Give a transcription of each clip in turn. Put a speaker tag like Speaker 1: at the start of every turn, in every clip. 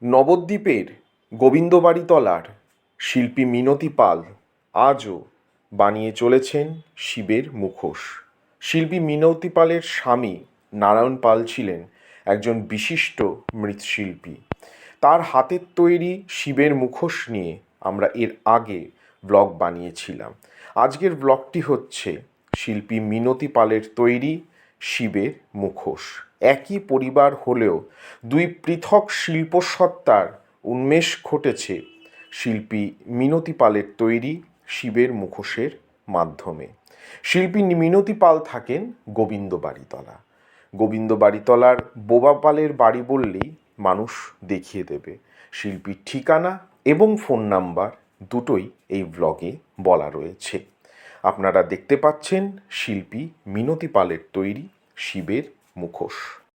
Speaker 1: নবদ্বীপের গোবিন্দবাড়িতলার শিল্পী মিনতি পাল আজও বানিয়ে চলেছেন শিবের মুখোশ। শিল্পী মিনতি পালের স্বামী নারায়ণ পাল ছিলেন একজন বিশিষ্ট মৃৎশিল্পী। তার হাতের তৈরি শিবের মুখোশ নিয়ে আমরা এর আগে ব্লগ বানিয়েছিলাম। আজকের ব্লগটি হচ্ছে শিল্পী মিনতি পালের তৈরি শিবের মুখোশ। একই পরিবার হলেও দুই পৃথক শিল্পসত্তার উন্মেষ ঘটেছে শিল্পী মিনতি পালের তৈরি শিবের মুখোশের মাধ্যমে। শিল্পী মিনতি পাল থাকেন গোবিন্দবাড়িতলা। গোবিন্দবাড়িতলার বোবা পালের বাড়ি বললেই মানুষ দেখিয়ে দেবে। শিল্পীর ঠিকানা এবং ফোন নাম্বার দুটোই এই ব্লগে বলা রয়েছে। আপনারা দেখতে পাচ্ছেন শিল্পী মিনতি পালের তৈরি শিবের মুখোশ।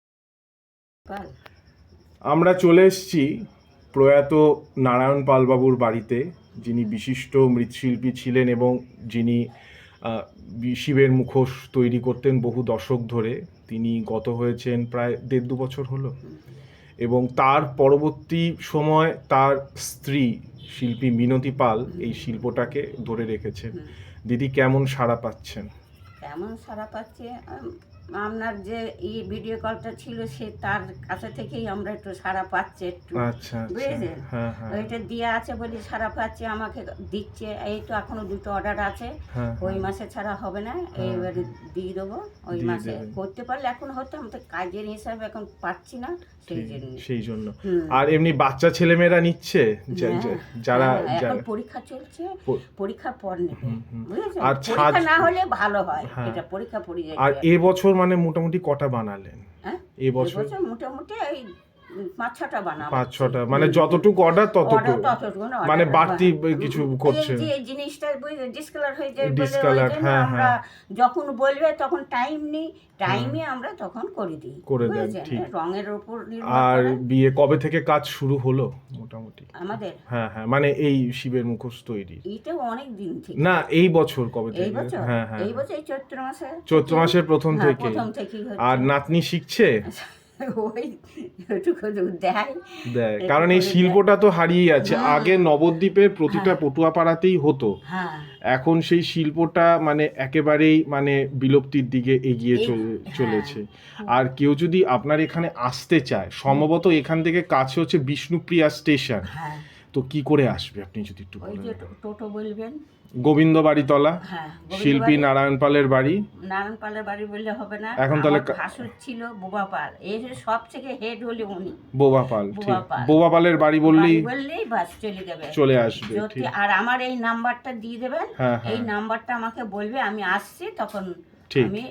Speaker 2: আমরা চলে এসেছি প্রয়াত নারায়ণ পালবাবুর বাড়িতে, যিনি বিশিষ্ট মৃৎশিল্পী ছিলেন এবং যিনি শিবের মুখোশ তৈরি করতেন বহু দশক ধরে। তিনি গত হয়েছেন প্রায় 1.5-2 বছর হলো, এবং তার পরবর্তী সময় তার স্ত্রী শিল্পী মিনতি পাল এই শিল্পটাকে ধরে রেখেছেন। দিদি, কেমন সাড়া পাচ্ছেন?
Speaker 3: কেমন সাড়া পাচ্ছে, আপনার যে এই ভিডিও কলটা ছিল সে তার কাছে থেকেই আমরা একটু সাড়া পাচ্ছি একটু।
Speaker 2: আচ্ছা,
Speaker 3: বুঝেছেন,
Speaker 2: হ্যাঁ হ্যাঁ,
Speaker 3: ওইটা দিয়ে আছে বলি সাড়া পাচ্ছি, আমাকে দিচ্ছে। এই তো এখনো 2টো অর্ডার আছে, ওই মাসে ছাড়া হবে না, এইবারে দিয়ে দেবো। ওই মাসে করতে পারলে এখন হতো, আমি তো কাজের হিসাবে এখন পাচ্ছি না, সেই জন্য।
Speaker 2: আর এমনি বাচ্চা ছেলেমেয়েরা নিচ্ছে যারা
Speaker 3: এখন পরীক্ষা চলছে, পরীক্ষার পর নেবে, বুঝেছেন। আর পরীক্ষা না হলে ভালো হয়, এটা পরীক্ষা পড়ে যায়।
Speaker 2: আর এবছর মানে মোটামুটি কটা বানালেন?
Speaker 3: এবছর মোটামুটি এই 5-6টা বানাবো।
Speaker 2: 5-6টা মানে যতটুকু অর্ডার ততটুকু, মানে বাড়তি কিছু করছে।
Speaker 3: এই জিনিসটা ডিসকালার হয়ে যায়, আমরা যখন বলবে তখন টাইম নেই, টাইমে আমরা তখন করে দিই,
Speaker 2: করে দেন। ঠিক,
Speaker 3: রঙের উপর।
Speaker 2: আর বিয়ে কবে থেকে কাজ শুরু হলো মোটামুটি
Speaker 3: আমাদের?
Speaker 2: হ্যাঁ, মানে এই শিবের মুখোশ তৈরি
Speaker 3: এটা অনেক দিন থেকে
Speaker 2: না, এই বছর কবে থেকে?
Speaker 3: হ্যাঁ, এই বছর এই
Speaker 2: চৈত্র মাসের প্রথম থেকে। আর নাতনি শিখছে? দেয়, কারণ এই শিল্পটা তো হারিয়ে যাচ্ছে। আগে নবদ্বীপের প্রতিটা পটুয়াপাড়াতেই হতো, এখন সেই শিল্পটা মানে একেবারেই মানে বিলুপ্তির দিকে এগিয়ে চলেছে। আর কেউ যদি আপনার এখানে আসতে চায়, সম্ভবত এখান থেকে কাছে হচ্ছে বিষ্ণুপ্রিয়া স্টেশন, তো কি করে আসবে আপনি যদি একটু বলেন?
Speaker 3: টোটো বলবেন,
Speaker 2: গোবিন্দবাড়িতলা, শিল্পী নারায়ণ পালের বাড়ি।
Speaker 3: নারায়ণ পালের বাড়ি বললে হবে না,
Speaker 2: এখন তাহলে
Speaker 3: ভাসুর ছিল বোবা পাল, এই সব থেকে হেড হলে উনি
Speaker 2: বোবা পাল। ঠিক, বোবা পালের বাড়ি বললেই
Speaker 3: বাস চলে যাবে,
Speaker 2: চলে আসবে। ঠিক,
Speaker 3: আর আমার এই নাম্বারটা দিয়ে দেবেন, এই নাম্বারটা আমাকে বলবে, আমি আসছি তখন আমি।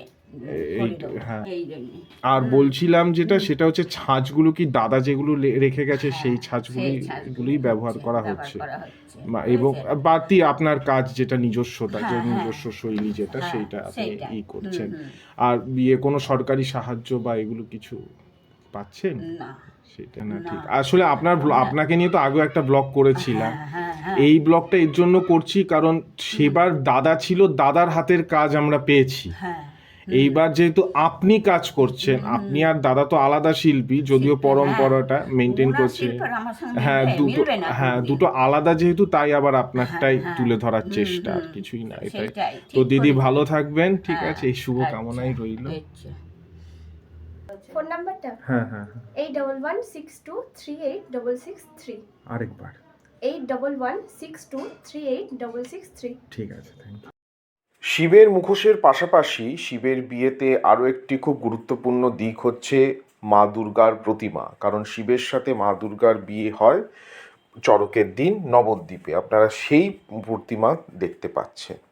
Speaker 2: আর বলছিলাম যেটা, সেটা হচ্ছে ছাঁচগুলো কি দাদা যেগুলো রেখে গেছে সেই ছাঁচগুলোই ব্যবহার করা হচ্ছে, এবং বাড়তি আপনার কাজ যেটা নিজস্বতা, যে নিজস্ব শৈলী যেটা, সেইটা আপনি করছেন। আর বিয়ে কোনো সরকারি সাহায্য বা এগুলো কিছু পাচ্ছেন? সেটা না। ঠিক, আসলে আপনাকে নিয়ে তো আগে একটা ব্লগ করেছিলাম। এই ব্লগটা এর জন্য করছি কারণ সেবার দাদা ছিল, দাদার হাতের কাজ আমরা পেয়েছি। এইবার যেহেতু আপনি কাজ করছেন, আপনি আর দাদা তো আলাদা শিল্পী, যদিও পরম্পরাটা মেনটেন করছে। দুটো আলাদা যেহেতু, তাই আবার আপনারটাই তুলে ধরার চেষ্টা, আর কিছুই না। এটাই তো। দিদি ভালো থাকবেন, ঠিক আছে, এই শুভ কামনাই রইল।
Speaker 4: ফোন নাম্বারটা 8116238663।
Speaker 2: আরেকবার
Speaker 4: 8116238663।
Speaker 2: ঠিক আছে, থ্যাংক ইউ।
Speaker 1: শিবের মুখোশের পাশাপাশি শিবের বিয়েতে আরও একটি খুব গুরুত্বপূর্ণ দিক হচ্ছে মা দুর্গার প্রতিমা। কারণ শিবের সাথে মা দুর্গার বিয়ে হয় চড়কের দিন নবদ্বীপে। আপনারা সেই প্রতিমা দেখতে পাচ্ছেন।